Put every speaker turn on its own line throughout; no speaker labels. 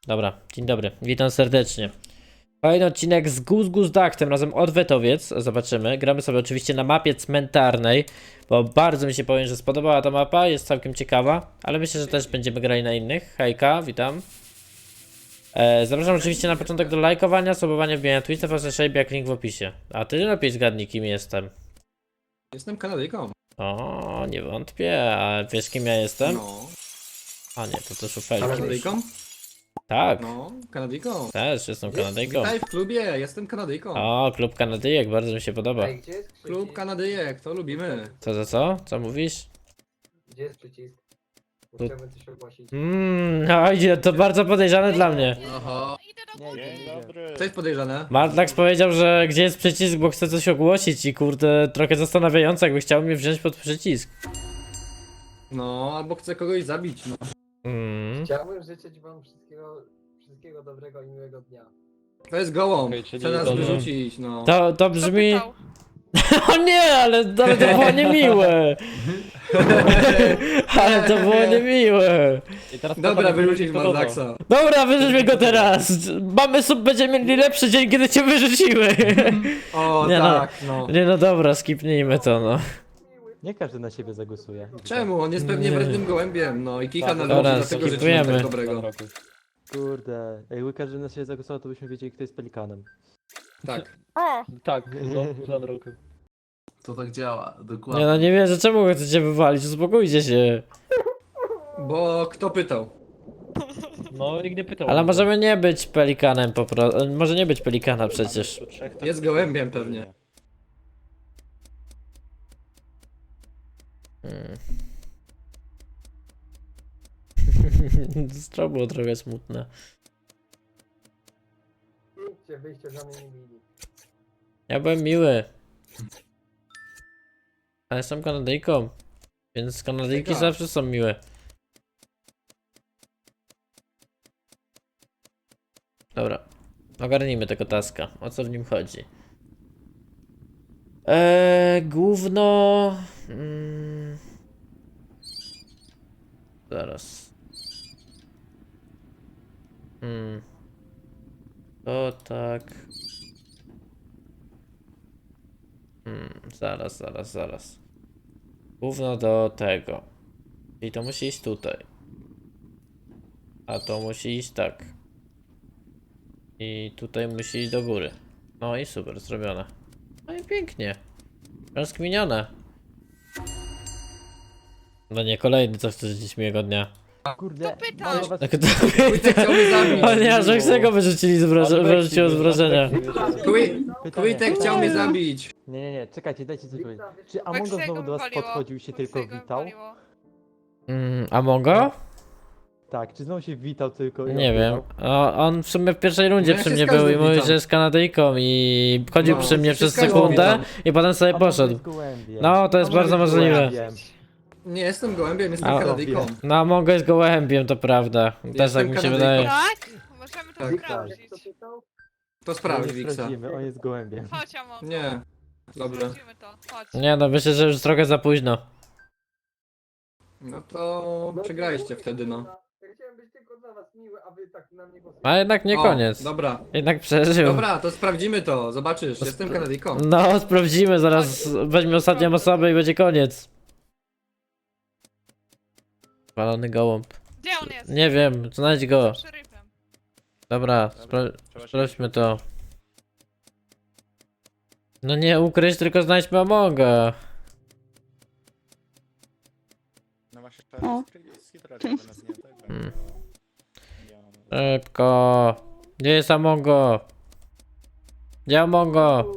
Dobra, dzień dobry, witam serdecznie. Kolejny odcinek z Gus Duck, tym razem Odwetowiec, zobaczymy. Gramy sobie oczywiście na mapie cmentarnej, bo bardzo mi się powiem, że spodobała ta mapa, jest całkiem ciekawa, ale myślę, że też będziemy grali na innych. Hejka, witam. Zapraszam oczywiście na początek do lajkowania, subowania, wbijania Twitcha, Shape, jak link w opisie. A ty lepiej zgadnij, kim jestem.
Jestem Kanadyjką.
O, nie wątpię, a wiesz, kim ja jestem?
No.
A nie, to szufelki.
Kanadyjką?
Tak,
No, Kanadyjką.
też jestem Kanadyjką.
Witaj w klubie, jestem Kanadyjką.
O, klub Kanadyjek, bardzo mi się podoba.
Ej, gdzie jest
Klub
przycisk?
Kanadyjek, to lubimy.
Co za co? Co mówisz?
Gdzie jest przycisk? Bo
Tu-
chciałbym coś ogłosić.
No idzie, to bardzo podejrzane dla mnie.
Oho.
Dzień dobry.
Co jest podejrzane?
Martlax powiedział, że gdzie jest przycisk, bo chce coś ogłosić i kurde, trochę zastanawiające, jakby chciał mnie wziąć pod przycisk.
No, albo chcę kogoś zabić. No.
Chciałbym życzyć wam wszystkiego dobrego i miłego dnia.
To jest gołąb.
Okej, czyli
Chce nas
to-
wyrzucić, no.
To brzmi... O nie, ale to było niemiłe. Ale to było niemiłe.
I teraz
Dobra,
wyrzucić
wyrzucić Marlaxa.
Dobra, wyrzućmy go teraz. Będziemy mieli lepszy dzień, kiedy cię wyrzuciły.
O,
Nie no.
tak, no.
Nie no dobra, skipnijmy to no.
Nie każdy na siebie zagłosuje.
Czemu? On jest pewnie
Nie.
wrażliwym gołębiem, no i kicha
Tak,
na
dobra,
ludzi, dlatego życzymy
skipujemy.
tak dobrego.
Kurde, jakby każdy na siebie zagłosował, to byśmy wiedzieli, kto jest pelikanem.
Tak.
Tak, za roku.
To tak działa,
Nie
dokładnie.
no, nie wierzę, czemu chcecie wywalić, uspokójcie się.
Bo kto pytał?
No, nikt nie pytał.
Ale możemy nie być pelikanem po prostu, może nie być pelikana przecież.
Jest gołębiem pewnie.
To było trochę smutne.
Idźcie, wyjście za mnie nie mili.
Ja byłem miły. Ale jestem Kanadyjką. Więc Kanadyjki
Taka.
zawsze są miłe. Dobra. Ogarnijmy tego taska. O co w nim chodzi? Gówno... Zaraz. To tak... zaraz. Gówno do tego. I to musi iść tutaj. A to musi iść tak. I tutaj musi iść do góry. No i super, zrobione. No i pięknie. Rozkminione. No nie, kolejny, co chcesz dziś miłego dnia.
Kurde,
pytał.
ale was...
Tak to...
Wójtek chciał mnie zabić.
O nie, że z tego wyrzucili wyrzuciło z wrażenia.
Wójtek chciał mnie zabić.
Nie, czekajcie, dajcie coś powiedzieć. Czy Among Us znowu do was podchodził i się tylko witał?
Amongo?
Tak, czy znowu się witał tylko i
Nie wiem.
odbierał?
On w sumie w pierwszej rundzie
No ja
przy
się
mnie
z każdym
był i mówił,
witam.
że jest Kanadyjką i chodził
No,
przy mnie
się
przez
z każdym
sekundę
witam.
i potem sobie
Among Us
poszedł.
jest gołębiem.
No, to jest
Among
bardzo
Us jest
możliwe.
gołębiem.
Nie jestem gołębiem, jestem
A,
Kanadyjką.
No, Amongo jest gołębiem, to prawda. Też
Jestem
tak mi się
Kanadyjką.
wydaje.
Tak? Możemy to
Tak.
sprawdzić.
Kto pytał?
To
On
sprawdź,
jest
Wiksa.
prawdziwy, on jest gołębiem.
Chodź, Amo.
Nie. Dobrze.
Sprawdzimy to. Chodź.
Nie no, myślę, że już trochę za późno.
No to przegraliście wtedy, no.
Ja chciałem być tylko dla was miły, a wy tak na mnie głosujecie.
A jednak nie
O,
koniec.
Dobra.
Jednak przeżył.
Dobra, to sprawdzimy to. Zobaczysz, jestem Kanadyjką.
No, sprawdzimy, zaraz weźmie ostatnią osobę i będzie koniec. Walony gołąb.
Gdzie on jest?
Nie wiem, znajdź go.
Szeryfem.
Dobra, sprawdźmy to. No nie ukryć, tylko znajdźmy Amonga.
No właśnie,
O.
Hmm. Szybko. Gdzie jest Amongo? Gdzie Amongo?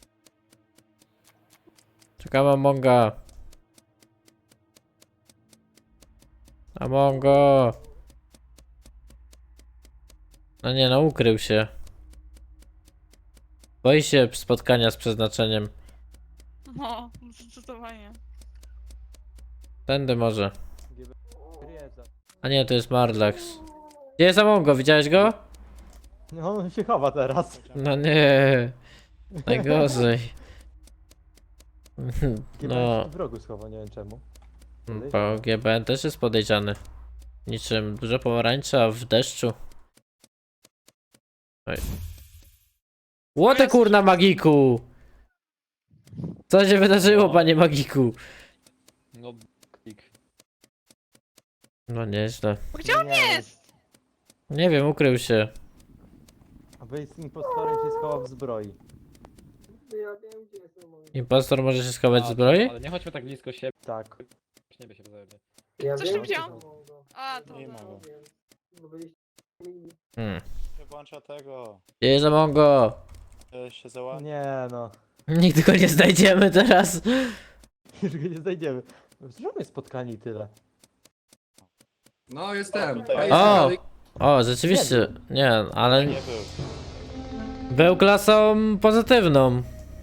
Czekam Amonga. Amongo. No nie, no ukrył się. Boi się spotkania z przeznaczeniem.
No, zdecydowanie.
Tędy może.
Gryza.
A nie, to jest Marlax. Gdzie jest Amongo? Widziałeś go?
No on się chowa teraz.
No nie. Najgorzej.
Chyba
No,
w rogu schował, nie wiem czemu.
bo GBN też jest podejrzany. Niczym dużo pomarańcza w deszczu. Łote kurna magiku! Co się wydarzyło, panie magiku?
No, klik.
No nieźle.
Gdzie on jest?
Nie wiem, ukrył się.
A wy z impostorem się schował w zbroi.
Ja wiem, gdzie jest Among Us.
Impostor może się schować w zbroi?
Ale nie chodźmy tak blisko siebie,
Tak.
nie by się zajebie.
Ja
Coś
wiem,
tam
gdzie
widziałam?
jest Among Us.
A, to.
Nie ma.
No, wiem. Bo byliście mili.
Nie włącza tego.
Gdzie jest Amongo?
Się załatwi.
Nie no.
Nigdy go nie znajdziemy teraz.
Już go nie znajdziemy. Zróbmy spotkanie i tyle.
No, jestem.
tutaj.
O! O, rzeczywiście. Nie, ale
Nie był.
był klasą pozytywną.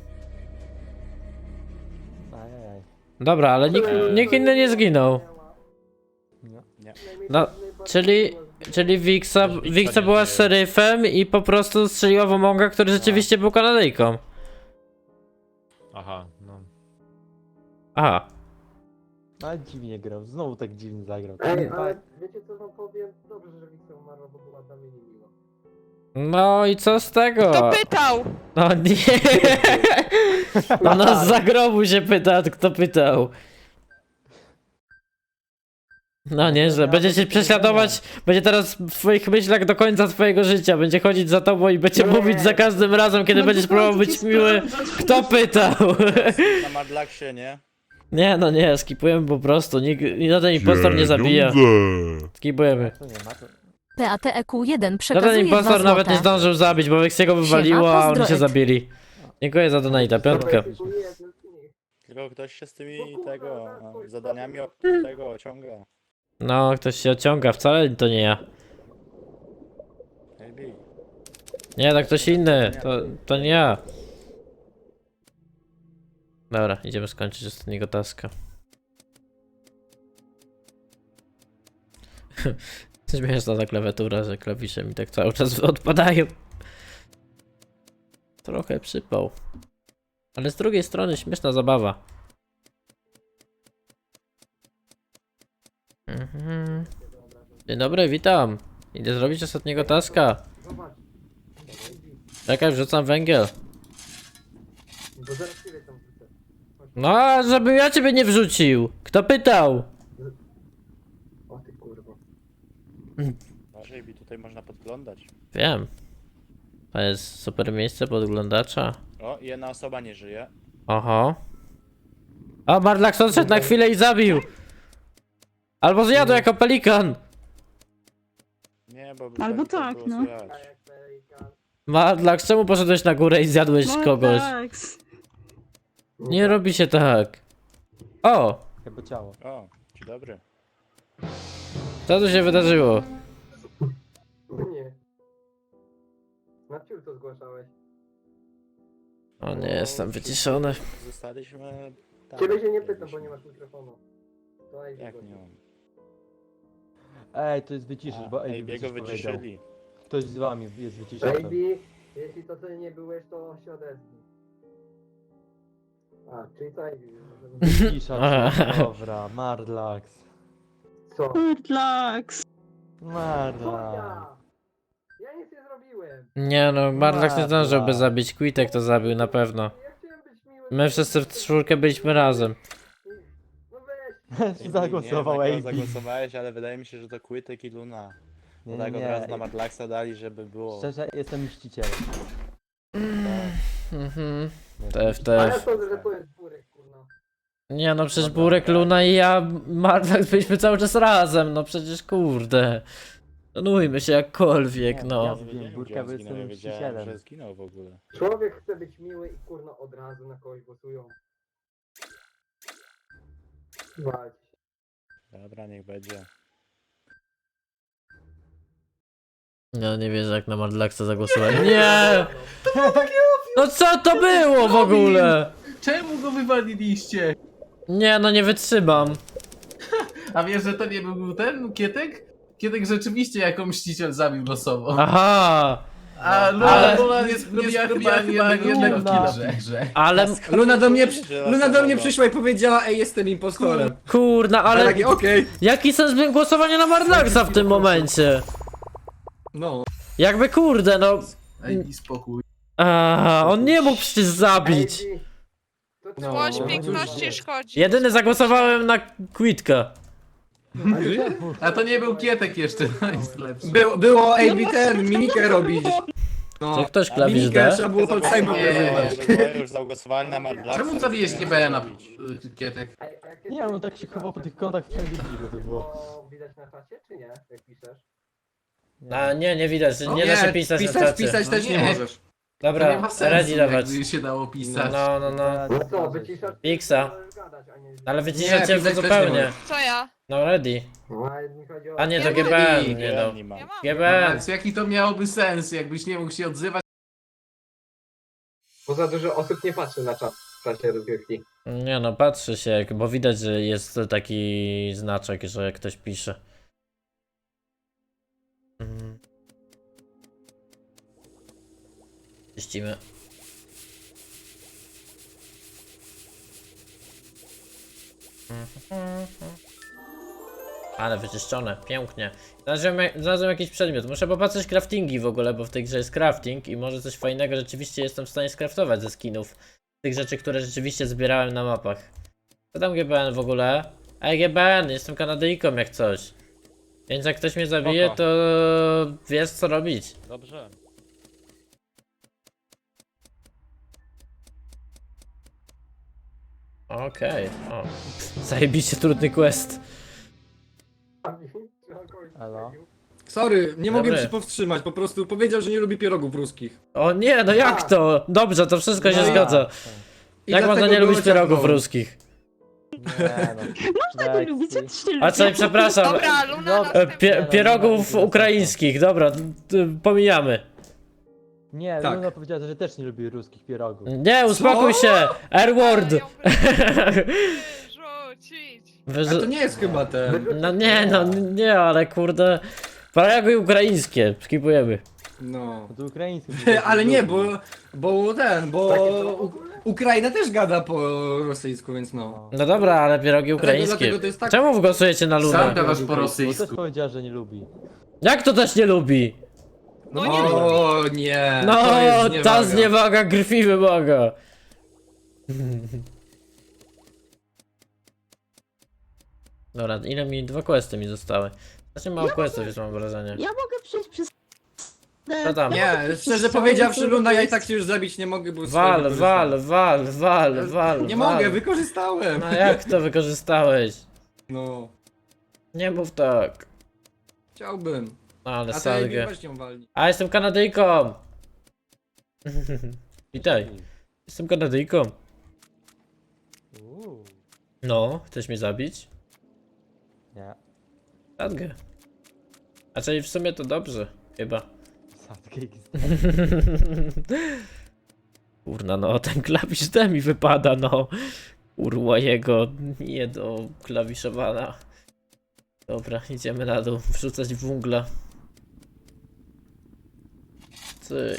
Ajajaj.
Dobra, ale nikt inny nie zginął.
No.
No, czyli Wiksa była szeryfem i po prostu strzeliła w Amonga, który rzeczywiście był Kanadyjką.
Aha, no.
Aha.
Ale dziwnie grał. Znowu tak dziwnie zagrał.
Ej, ale wiecie co wam powiem? Dobrze, że Wiksa umarła, bo była dla mnie niemiła.
No i co z tego?
Kto pytał?
No nie. Ona z zagrobu się pyta, kto pytał. No nieźle, będzie cię prześladować, będzie teraz w twoich myślach do końca twojego życia, będzie chodzić za tobą i będzie mówić za każdym razem, kiedy będziesz próbował być miły, kto pytał.
Na Madlaksie, nie?
Nie, no nie, skipujemy po prostu, żaden impostor nie zabija. Skipujemy.
To nie ma to.
PATEQ1
Żaden
przekazuje 2
impostor nawet nie
złote.
zdążył zabić, bo Weksiego wywaliło, a oni się
pozdroek.
zabili. Dziękuję za donata, piątkę.
Tylko ktoś się z tymi tego zadaniami tego ociąga.
No, ktoś się ociąga, wcale to nie ja.
Maybe.
Nie, to ktoś inny, to nie ja. Dobra, idziemy skończyć ostatniego taska. Śmieszna ta klawiatura, że klawisze mi tak cały czas odpadają. Trochę przypał. Ale z drugiej strony śmieszna zabawa. Dzień dobry, witam. Idę zrobić ostatniego taska.
Zobacz.
Czekaj, wrzucam węgiel.
Bo zaraz ciebie tam wrzucę.
No, a żebym ja ciebie nie wrzucił. Kto pytał?
O ty kurwa.
Uważaj, bi tutaj można podglądać.
Wiem. To jest super miejsce podglądacza.
O, jedna osoba nie żyje.
Oho. O, Marlax odszedł na chwilę i zabił. Albo zjadł jako pelikan.
Nie, bo
Albo
to
tak,
było
no.
słychać.
Jak pelikan.
Marlax, czemu poszedłeś na górę i zjadłeś
No
kogoś?
tak.
Nie robi się tak. O,
Chyba ciało.
O, dzień dobry.
co tu się wydarzyło?
Nie. Na ciul to zgłaszałeś.
O nie, jestem wyciszony.
Zostaliśmy tam.
Ciebie się nie pytam, bo nie masz mikrofonu. To Ej,
Jak nie mam?
Ej, to jest wyciszysz, bo
Ej,
Ej,
biego wyciszyli.
Ktoś z wami jest wyciszony.
Baby, jeśli to ty nie byłeś, to się odezwij. A, czyli to Ej,
Wycisza się. Dobra, Marlax.
co?
Relax.
Co
Marlax.
ja? Ja nic nie zrobiłem.
Nie no, Marlax nie zdążyłby zabić, Quitek to zabił na pewno.
Ja chciałem być miły.
My wszyscy w czwórkę byliśmy razem.
No weź.
Zagłosował
nie,
AB.
zagłosowałeś, ale wydaje mi się, że to Quitek i Luna.
Nie,
Bo tak od
nie,
razu na Madlaxa dali, żeby było.
Szczerze, jestem mścicielem.
Mhm.
Jestem
A ja
TF.
sądzę, że to jest burek, kurna.
Nie no, przecież Burek, Luna i ja, Marlax byliśmy cały czas razem, no przecież kurde. Szanujmy się jakkolwiek,
Ja
no.
wiem,
wiedziałem,
Burka,
gdzie on
bo
zginął,
jestem
nie wiedziałem,
mścicielem.
że zginął w ogóle.
Człowiek chce być miły i kurna od razu na kogoś głosują. Walcz.
Dobra, niech będzie.
No nie wierzę jak na Marlaxa zagłosowałem. Nie! No co to było w ogóle?
Czemu go wywaliliście?
Nie no, nie wytrzymam.
A wiesz, że to nie był ten Kietek? Kietek rzeczywiście jako mściciel zabił losowo.
Aha!
A
Ale-
Luna nie zrobiła chyba ani jednego killa w grze.
Ale
Luna do mnie,
Że
Luna do mnie
losowo.
przyszła i powiedziała, ej, jestem impostorem.
kurna,
Ale
ale
takie, okej.
jaki sens miał głosowania na Marlaxa w tym momencie?
No.
Jakby kurde, no.
Daj mi spokój.
On nie mógł przecież zabić.
Ej, to
No.
Złość
co?
piękności szkodzi.
Jedyny zagłosowałem na Quitka.
A to nie był Kietek jeszcze, no jest lepszy.
Było AB ten, mimikę robić. No,
Czy ktoś klawisz
mimikę
D?
trzeba było palcami pokazywać.
Już zagłosowali na Mardlaxa.
Czemu zabiłeś GBN-a, Kietek?
Ej, a jak
Nie wiem, on tak się chował po tych kątach wszędzie dziwne to było.
to widać na czacie, czy nie? Jak piszesz?
Nie widać, nie da się pisać na czacie.
Pisać też
No
nie
nie.
możesz.
To nie
Dobra,
ma sensu,
ready dawać.
jakby się dało pisać.
No.
No co, wyciszasz?
Piksa.
Możesz gadać, a nie...
Ale
Nie,
wyciszacie go
pisać też nie
zupełnie.
możesz.
Co ja?
No ready.
No, ale mi chodzi o...
A nie, to
Ja
GBN, nie no.
Nie mam.
Ja mam.
GBN.
Więc jaki to miałoby sens, jakbyś nie mógł się odzywać?
Bo za dużo osób nie patrzy na czat w czasie rozgrywki.
Nie no, patrzy się, bo widać, że jest taki znaczek, że ktoś pisze. Czyścimy. Ale wyczyszczone, pięknie. Znalazłem jakiś przedmiot. Muszę popatrzeć craftingi w ogóle, bo w tej grze jest crafting i może coś fajnego rzeczywiście jestem w stanie skraftować ze skinów. Tych rzeczy, które rzeczywiście zbierałem na mapach. Co tam GBN w ogóle? Ej GBN, jestem Kanadyjką jak coś. Więc jak ktoś mnie zabije,
Spoko.
to wiesz co robić.
Dobrze.
Okej, o. Zajebiście trudny quest.
Elo?
Sorry, nie mogłem
Dobry.
się powstrzymać, po prostu powiedział, że nie lubi pierogów ruskich.
O nie, no jak to? Dobrze, to wszystko się
No i-
zgadza.
I
Jak można
dlatego
nie
go
lubić pierogów
ciągnął.
ruskich?
Nie no.
Można go lubić, co ty się
A co, przepraszam.
Dobra, Luna
No,
następna.
Pierogów ukraińskich, dobra, pomijamy.
Nie,
Tak.
Luna powiedziała, że też nie lubi ruskich pierogów.
Nie, uspokój się! R-word!
Ją wyrzucić.
A to nie jest chyba ten.
No nie, ale kurde. Pierogi ukraińskie, skipujemy.
No.
To ukraiński.
Ale nie, bo Ukraina też gada po rosyjsku, więc no.
No dobra, ale pierogi ukraińskie.
Dlatego to jest tak.
Czemu głosujecie na
Sam
Lunę?
gadasz po
Bo też
rosyjsku.
powiedziała, że nie lubi.
Jak to też nie lubi?
No nie
O nie.
No,
to jest
ta
zniewaga.
zniewaga krwi wymaga. Dobra, ile mi? 2 questy mi zostały. Znaczy mało questów jest, mam wrażenie.
Ja mogę przejść przez...
Co tam?
Nie, szczerze powiedziawszy, Luna, ja i tak cię już zabić nie mogę, bo
Wal.
Nie mogę, wykorzystałem.
No jak to wykorzystałeś?
No,
Nie mów tak.
chciałbym.
No ale
A ty
salgę.
weź ją walni.
A jestem Kanadyjką! Witaj, jestem Kanadyjką.
Uuu.
No, chcesz mnie zabić?
Nie.
Sadgę. A czyli w sumie to dobrze, chyba.
Sadkę XD.
Kurna, no ten klawisz D mi wypada, no. Kurwa jego, nie do klawiszowania. Dobra, idziemy na dół, wrzucać wungla. Cyk.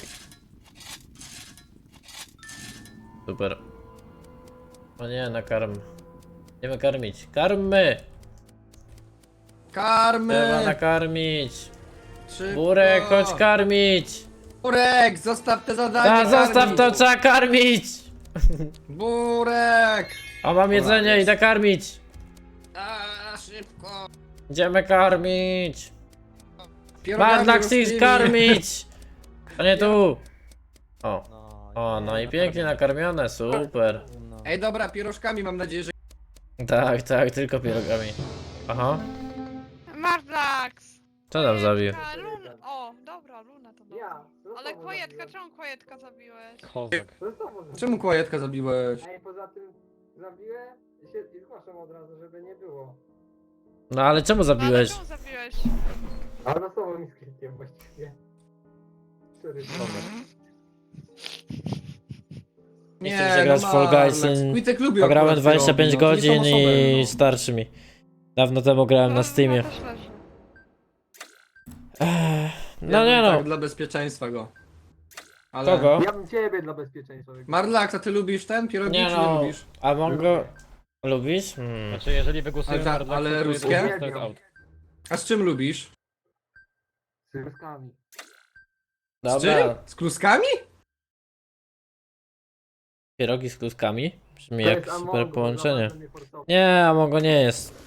Super. O nie, nakarm. Idziemy karmić. Karmy! Trzeba
Karmy!
nakarmić.
Szybko.
Burek, chodź karmić!
Burek, zostaw te zadanie.
A, zostaw
karmić.
to, trzeba karmić!
Burek!
O, mam jedzenie,
jest.
idę karmić!
A, szybko.
Idziemy karmić!
Pierogami
Mardlax
ruskimi.
karmić! A nie tu! O,
No,
no i pięknie nakarmione, super.
No.
Ej, dobra, pierożkami mam nadzieję, że...
Tak, tylko pierogami. Aha,
Mardlax.
co tam zabił?
Luna. O, dobra, Luna to dobra.
Ja.
Ale Kłajetka, czemu Kłajetka zabiłeś?
Kozak.
Czemu kłajetka zabiłeś?
Ej, poza tym zabiłem i zgłaszam od razu, żeby nie było.
No ale czemu
No, ale
zabiłeś?
czemu zabiłeś?
A losowo mi z klikiem właściwie. Sorry,
Nie chcę mi się grać w Fall Guys.
Quitek lubi
Pograłem
akurat
25
pierogi, no, to nie
godzin
są osoby,
i
no.
starczy mi. Dawno temu grałem na Steamie.
Luna też leży.
No
Ja
nie
bym
no.
Tak dla bezpieczeństwa go. Ale...
Kogo?
Ja bym ciebie dla bezpieczeństwa wygrał.
Marlax, a ty lubisz ten pierogi,
Nie
czy
no.
nie lubisz?
A Mongo... Lubisz?
Znaczy, jeżeli wygłosujemy
Ale
Mardlaxa,
ale
to jest
ruskie?
to jest out.
A z czym lubisz?
Z ryskami.
Z czym?
Dobra,
Z kluskami?
pierogi z kluskami. Brzmi
To
jak
jest Among
super
Us,
połączenie.
naprawdę mnie forsował.
Nie, Amongo nie jest.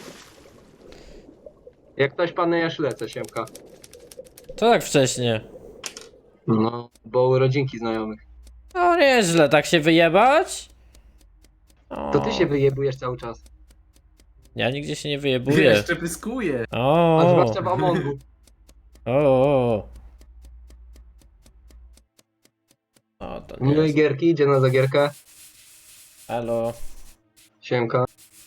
Jak ktoś panuje, ja lecę, Siemka.
To tak wcześnie.
No, bo urodzinki znajomych.
No nieźle, tak się wyjebać? O,
To ty się wyjebujesz cały czas.
Ja nigdzie się nie wyjebuję.
Jeszcze pyskuje.
O,
A zwłaszcza w Amongu.
o. O, to nie
Miłej
jest.
gierki, idzie na zagierkę.
Halo.
Siemka.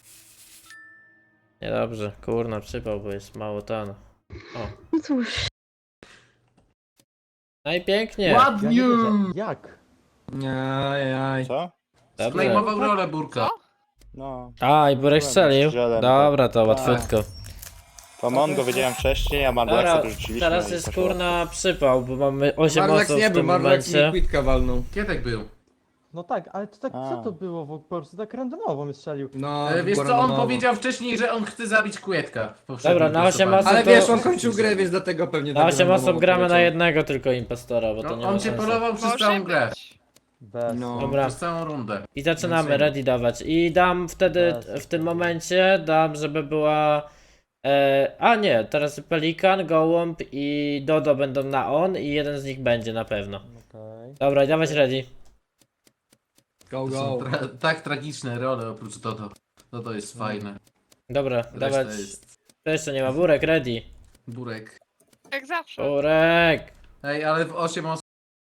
Niedobrze, kurna, przypał, bo jest mało tan.
No cóż.
No i pięknie.
Ja
Ładnie!
nie wierzę. Jak?
Ajaj.
Co?
Dobrze.
Sklejmował rolę Burka.
No.
A, i Burek strzelił?
Strzelem,
Dobra, to
tak.
łatwiutko.
To Mongo wiedziałem wcześniej, a
Dobra,
Mardlaxa rzuciliśmy.
teraz
i
jest
poszło.
kurna przypał, bo mamy 8
Marlax
osób
nie
w
był,
tym
Marlax mi
momencie.
quitka walnął.
Kietek był.
No tak, ale to tak, co
A.
to było? Po prostu tak randomowo mnie strzelił.
No,
Wiesz co, on
randomowo.
powiedział wcześniej, że on chce zabić Kłetka. w poprzednim
Dobra, na 8
głosowaniu.
osób
Ale
to-
wiesz, on kończył grę, więc dlatego pewnie
Na
tak
8
randomowo
osób gramy na
poleciał.
jednego tylko impostora, bo to nie
No,
ma
on cię
sensu.
polował przez
Może
całą grę.
być.
Bez.
No.
Dobra.
Przez całą rundę.
I zaczynamy
Więc-
ready dawać. I dam wtedy, w tym momencie, dam, żeby była... a nie, teraz Pelikan, Gołąb i Dodo będą na on i jeden z nich będzie na pewno.
Okej.
Dobra, dawać ready.
Go,
To są
go.
tak tragiczne role oprócz Dodo. Dodo jest fajne.
Dobra,
Reszta
dawać...
jest
To jeszcze nie ma, Burek, ready.
burek.
Jak zawsze.
Burek!
Ej, ale w 8 osób.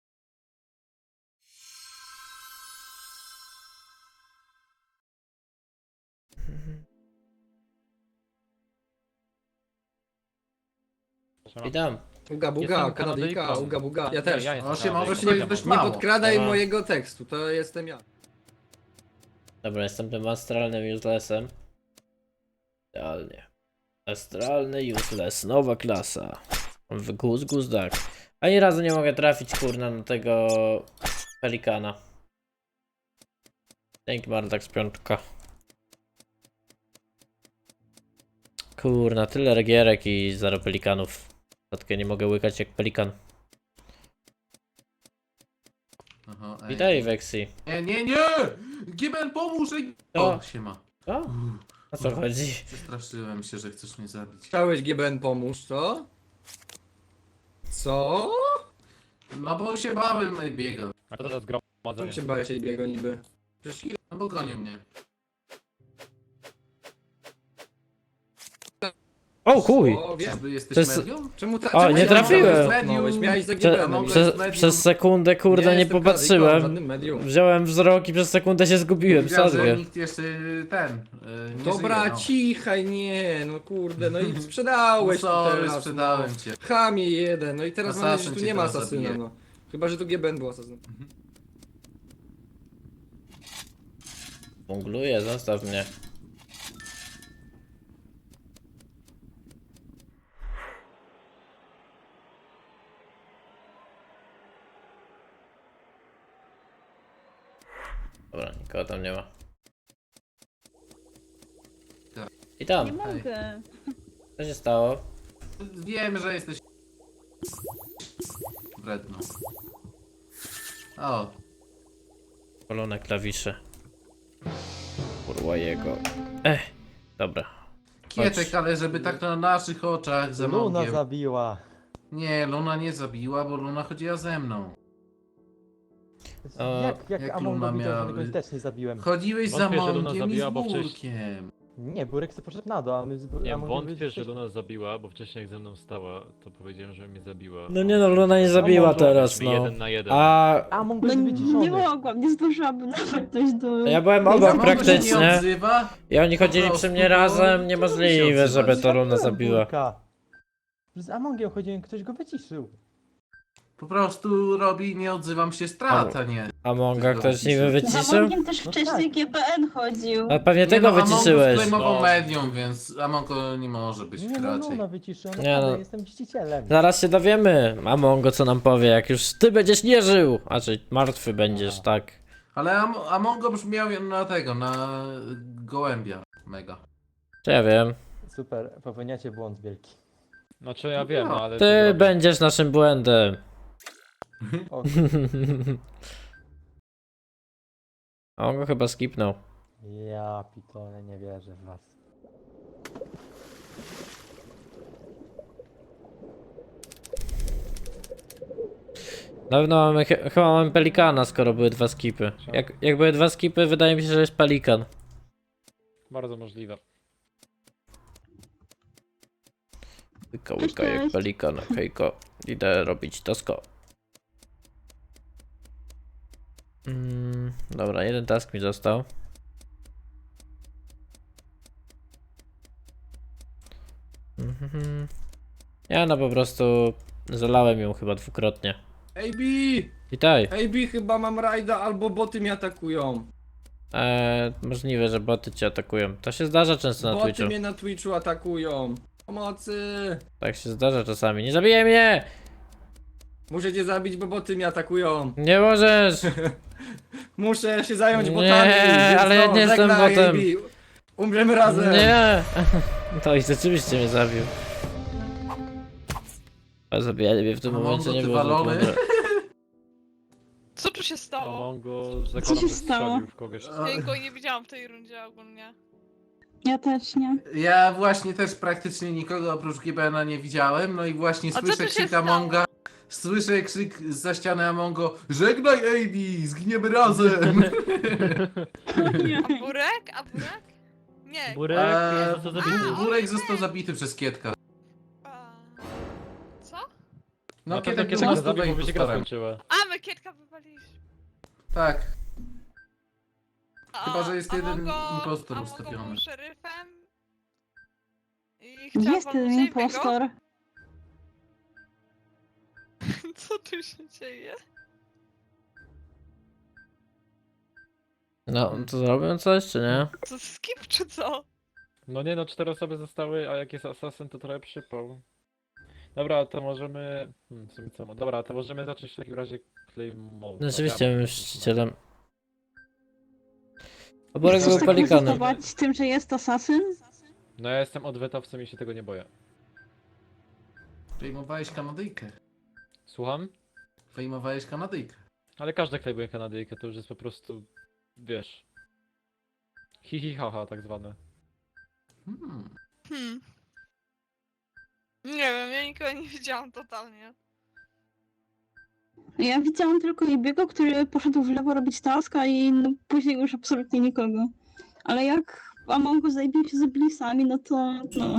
Witam.
Uga buga,
Jestem
Kanadyjka,
Kanadyjką.
uga buga. Ja też.
Ja jestem
8 osób
Kanadyjką.
to jest dość
Nie
mało.
podkradaj
Aha.
mojego tekstu, to jestem ja.
Dobra, jestem tym astralnym uselessem. Idealnie. Astralny useless, nowa klasa. W Guz Duck. Ani razu nie mogę trafić, kurna, na tego pelikana. Dzięki Mardax piątka. Kurna, tyle regierek i 0 pelikanów. Tatkę nie mogę łykać jak pelikan.
Aha, ej.
Witaj, Vexi.
Nie! Giben, pomóż! Ej.
O.
O, siema.
O, o co chodzi?
Przestraszyłem się, że chcesz mnie zabić.
Chciałeś GBN pomóż, co? Co?
No bo się bałem, ej, biegał.
A to teraz
Co
zgromadzenie.
się bałeś tej biego niby? Przecież
No bo gonił mnie.
O chuj!
O, wiem.
Czyżby jesteś
To jest-
medium?
Czemu ta...
O,
czemu
nie
się
trafiłem.
cofnąłeś? Miałeś za
Czemu-
GBN.
Przez sekundę, kurde, nie popatrzyłem.
Żadnym medium.
Wziąłem wzrok i przez sekundę się zgubiłem,
Widziałem, że
sadgę.
nikt jeszcze ten. Nie
Dobra,
żyje, no.
cichaj, nie, no kurde, no i sprzedałeś
No
to
sorry,
teraz,
sprzedałem
no.
cię.
Chamie jeden, no i teraz mam nadzieję, że
Asasyn
tu
cię
nie ma
teraz
asasyna,
zabije.
no. Chyba, że tu GBN był asasynem.
Bungluję, zostaw mnie. Dobra, nikogo tam nie ma. I
Nie
tam,
mogę.
co się stało?
Wiem, że jesteś wredną. O,
Polone klawisze. Kurwa jego. Dobra.
Kietek, ale żeby tak na naszych oczach za
Luna
Mongiem.
zabiła.
Nie, Luna nie zabiła, bo Luna chodziła ze mną.
Jak
jak
Among
Luna
widział, że
miała-
go też nie zabiłem.
Chodziłeś za
Wątpię, że Luna
Mongiem i z
zabiła, bo wcześniej-
Burkiem.
Nie, Burek sobie poszedł na dół, a my z
Nie,
Amongiem
wątpię,
byliśmy
że Luna zabiła, bo wcześniej jak ze mną stała, to powiedziałem, że mnie zabiła.
No nie no, Luna nie zabiła
może
teraz,
Mi
no.
1 na 1.
A
Among
No
był wyciszony.
nie mogłam, nie zdążyłabym nawet dojść do...
ja byłem
Za
obok
Mongo się nie
praktycznie.
odzywa?
I oni chodzili
Po
przy
prostu,
mnie
bo
razem,
nie
niemożliwe,
musi
żeby
odzywać.
to Luna
Zabiłem
zabiła.
Burka. Z Amongiem chodziłem, ktoś go wyciszył.
Po prostu robi, nie odzywam się, strata, nie.
A Monga ktoś niby
Za
wyciszył?
Amongiem też
No
wcześniej
tak.
GPN chodził.
A pewnie
Nie
tego
no, Amongo
wyciszyłeś.
sklejmował
No.
medium, więc Amongo nie może być
Nie no,
raczej.
Luna wyciszyła,
Nie
naprawdę,
no.
jestem mścicielem.
Zaraz się dowiemy, a Mongo co nam powie, jak już ty będziesz nie żył. A czy martwy będziesz, tak.
Ale Amongo brzmiał na tego, na gołębia. Mega.
Czy ja wiem.
Super, popełniacie błąd wielki.
Znaczy ja wiem, no ale... co
Ty
zrobię?
będziesz naszym błędem.
O,
A on go chyba skipnął.
ja pitole, nie wierzę w was.
Na pewno mamy, chyba mamy pelikana, skoro były dwa skipy. Jak były dwa skipy, wydaje mi się, że jest pelikan.
Bardzo możliwe.
Łyka, łyka jak
Cześć.
pelikan, hejko. Idę robić tasko. Dobra, jeden task mi został. Ja no po prostu zalałem ją chyba dwukrotnie.
AB!
Witaj.
AB, chyba mam rajda, albo boty mnie atakują.
Możliwe, że boty cię atakują. To się zdarza często na
Boty
Twitchu.
mnie na Twitchu atakują. Pomocy!
Tak się zdarza czasami. Nie zabijaj mnie!
Muszę cię zabić, bo boty mnie atakują.
Nie możesz!
Muszę się zająć
Nie,
botami. więc
ale ja
no,
nie jestem
żegnaj,
botem.
AB. Umrzemy razem.
Nie! To i rzeczywiście mnie zabił. A zabijanie mnie w tym
Mongo,
momencie nie
ty
było zbyt
walony.
mądre.
Co tu się stało?
Mongo zakładam,
się
że
stało?
strzelił w kogoś.
Ja go nie widziałam w tej rundzie ogólnie.
Ja też nie.
Ja właśnie też praktycznie nikogo oprócz GBN nie widziałem, no i właśnie
A co
słyszę
tu się
krzyk
stało?
Amonga. Słyszę krzyk zza ściany Amongo. Żegnaj AB, zginiemy razem!
A Burek? A Burek? Nie.
Burek jest to zabity.
Burek został zabity przez Kietka.
A... Co?
No
Na pewno
Kietek był
kiedy go
mocno
zabił, bo się gra
impostorem.
skończyła.
A, my Kietka wywaliliśmy.
Tak.
A-
Chyba, że jest
a
jeden
Mongo-
impostor
a Mongo
ustawiony.
był szeryfem. I chciałam
Jest ten
walnąć Ejbiego.
impostor.
Co tu się dzieje?
No, to zrobią coś, czy nie?
Co, skip czy co?
No nie no, 4 osoby zostały, a jak jest asasyn, to trochę przypał. Dobra, to możemy... w sumie co? Dobra, to możemy zacząć w takim razie play mode.
No, rzeczywiście,
Dobra.
bym czcicielem. A Borek
Chcesz
był
tak
pelikanem.
ryzykować z tym, że jest asasyn?
No ja jestem odwetowcem i się tego nie boję.
Fejmowałeś Kanadyjkę.
Słucham?
Fejmowałeś Kanadyjkę.
Ale każdy klejmuje Kanadyjkę, to już jest po prostu... Wiesz... Hi haha, tak zwane.
Hmm. Nie wiem, ja nikogo nie widziałam totalnie.
Ja widziałam tylko Ibiego, który poszedł w lewo robić taska i no, później już absolutnie nikogo. Ale jak Among Us zabił się z Blisami, no to... No.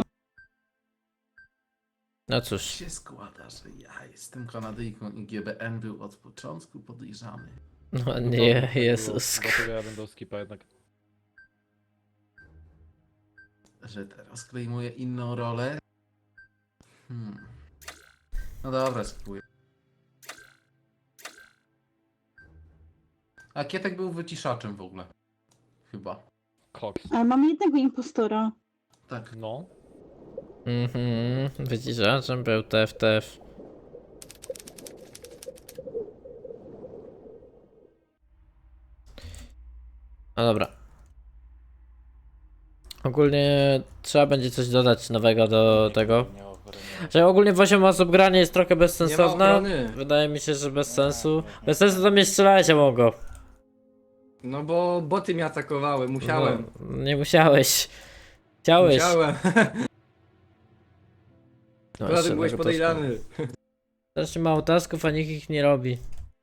No cóż.
się składa, że ja jestem Kanadyjką i GBN był od początku podejrzany.
No nie, Jezus.
Dlatego ja będę skipa jednak.
Że teraz klejmuje inną rolę. No dobra, spróbuję. A Kietek był wyciszaczem w ogóle. Chyba.
Cox.
Ale mamy jednego impostora.
Tak.
No.
Wyciszaczem był TF. No dobra. Ogólnie trzeba będzie coś dodać nowego do tego. Że ogólnie w 8 osób granie jest trochę
Nie ma
bezsensowne.
ochrony.
Wydaje mi się, że bez sensu. Bez sensu to mnie strzelałeś, mogło.
No bo boty mnie atakowały, musiałem.
No, nie musiałeś. Chciałeś.
Musiałem.
No,
Dlatego
jeszcze
byłeś
jednego
podejrzany.
taska. Strasznie mało tasków, a nikt ich nie robi.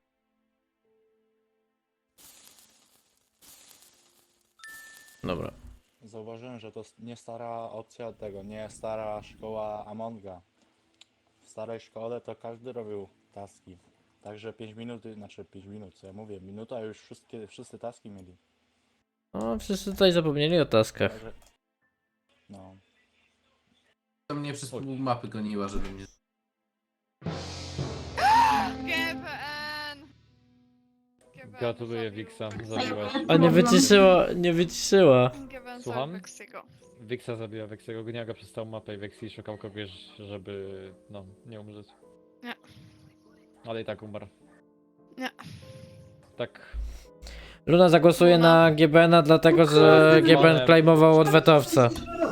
Dobra.
Zauważyłem, że to nie stara opcja tego, nie stara szkoła Amonga. W starej szkole to każdy robił taski. Także 5 minut, znaczy 5 minut, co ja mówię, minuta już wszyscy taski mieli.
No, wszyscy tutaj zapomnieli o taskach.
Także, no.
To mnie przez pół mapy goniła, żeby mnie...
GBN!
Gratuluję
zabił
Wixa,
Wexiego.
zabiłaś.
A nie wyciszyła.
GBN
Słucham?
zabił Wexiego.
Wixa zabiła Wexiego, goniła go przez całą mapę i Wexi szukał kogoś, żeby... no, nie umrzeć.
Nie.
Ale i tak umarł.
Nie.
Tak.
Luna zagłosuje na GBN-a dlatego, że GBN claimował odwetowca.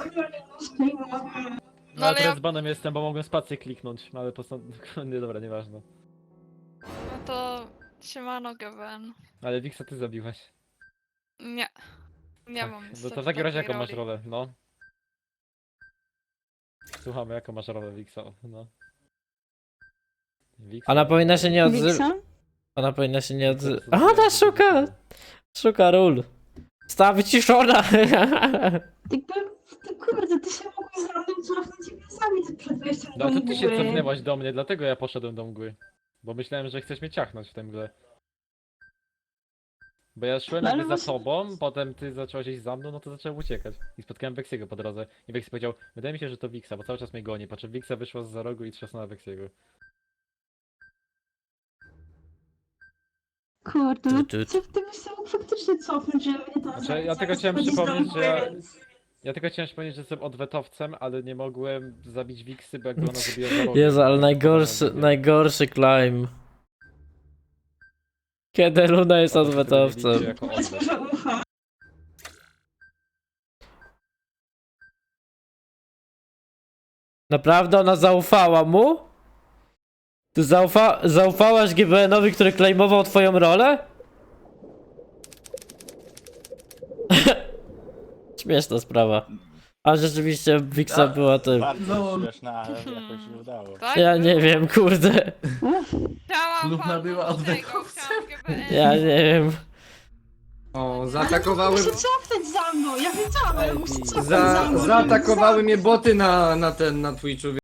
No
ale
ale
ja-
z banem jestem, bo mogłem spację kliknąć, no ale nie, dobra, nieważne.
No to siemano GBN.
Ale Wixa ty zabiłeś.
Nie. Nie
Tak,
mam
No
niestety
to w takim razie
takiej
jaką masz
roli.
rolę, no? Słuchamy, jaką masz rolę Wixa, no. Wixa?
Ona powinna się nie odzywać.
Wiksa?
Ona powinna się nie odzywać.
Co
Ona
zrobiłem,
szuka!
żeby-
Szuka ról. Stała wyciszona!
Ty kurde, ty się mogłeś za mną cofnąć i zabić przed wejściem
No
do
to ty się
mgły.
cofnęłaś do mnie, dlatego ja poszedłem do mgły. Bo myślałem, że chcesz mnie ciachnąć w tej mgle. Bo ja szłem
No ale
jakby za
właśnie-
tobą, potem ty zacząłeś iść za mną, no to zacząłem uciekać. I spotkałem Weksiego po drodze. I Weksy powiedział, wydaje mi się, że to Wixa, bo cały czas mnie goni. Po czym Wixa wyszła z za rogu i trzasnęła Weksiego.
Kurde, no
Tu, tu.
ty byś się mógł faktycznie cofnąć, żeby mnie tam
Znaczy,
zabić,
ja tylko
zamiast
chciałem
chodzić do
przypomnieć, że
mgły,
ja-
więc-
Ja tylko chciałem przypomnieć, że jestem odwetowcem, ale nie mogłem zabić Wiksy, bo jakby ona zabiła za rogiem.
Jezu, ale
to
najgorszy,
nie
najgorszy climb. Kiedy Luna jest
wiem. Po prostu tego nie
odwetowcem.
widzicie jako
Powiedzmy,
odwet.
że ufam.
Naprawdę ona zaufała mu? Ty zaufałaś GBN-owi, który claimował twoją rolę? Śmieszna sprawa. A rzeczywiście Wixa była tym.
Bardzo
No.
śmieszne, ale jakoś się udało.
Tak?
Ja nie wiem, kurde.
Chciałam
Luna
walnąć
była
tego,
odwetowcem.
chciałam GBN.
Ja nie wiem.
O, zaatakowały...
Muszę cofnąć za mną, ja wiedziałem, ale muszę cofnąć za
Za,
mną.
zaatakowały mnie boty na Twitchu,